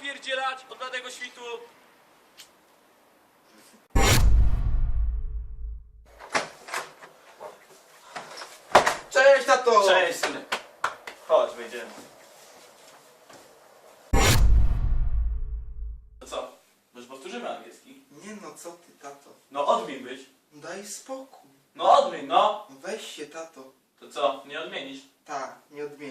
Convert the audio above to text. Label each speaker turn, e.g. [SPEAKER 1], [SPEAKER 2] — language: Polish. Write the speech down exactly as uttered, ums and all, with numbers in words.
[SPEAKER 1] napierdzielać od bladego świtu.
[SPEAKER 2] Cześć, tato!
[SPEAKER 1] Cześć, synek. Chodź, wyjdziemy. To co? Może powtórzymy angielski?
[SPEAKER 2] Nie no, co ty, tato?
[SPEAKER 1] No odmień być.
[SPEAKER 2] Daj spokój.
[SPEAKER 1] No odmień, no.
[SPEAKER 2] Weź się, tato.
[SPEAKER 1] To co, nie odmienisz?
[SPEAKER 2] Ta, nie odmienię.